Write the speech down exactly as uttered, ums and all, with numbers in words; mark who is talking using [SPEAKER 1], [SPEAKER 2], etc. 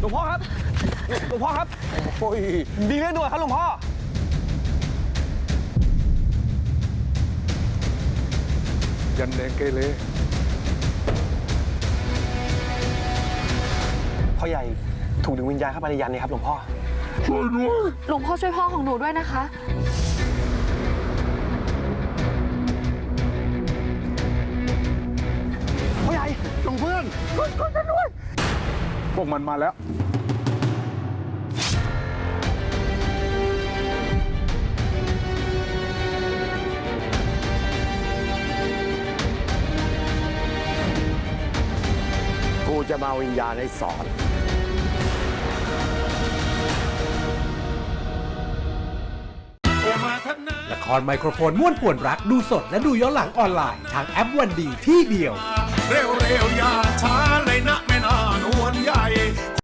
[SPEAKER 1] ลวงพ่อครับหลวงพ่อครับโอ้ยมีเรื่องด่วนครับหลวงพ่อ
[SPEAKER 2] ยันแดงเกเร
[SPEAKER 1] พ่อใหญ่ถูกดึงวิญญาณเข้าไปในยันนี่ครับหลวงพ่อ
[SPEAKER 2] ช่วยด้วย
[SPEAKER 3] หลวงพ่อช่วยพ่อของหนูด้วยนะคะ
[SPEAKER 1] พ่อใหญ่หลวงเพื่อนช่วยช่วยด้วย
[SPEAKER 2] พวกมันมาแล้ว
[SPEAKER 4] กูจะมาวิญญาณให้สอน
[SPEAKER 5] ละครไมโครโฟนม้วนป่วนรักดูสดและดูย้อนหลังออนไลน์ทางแอปวันดีที่เดียว
[SPEAKER 6] เร็วๆอย่าช้าเลยนะแม่นานวลใหญ่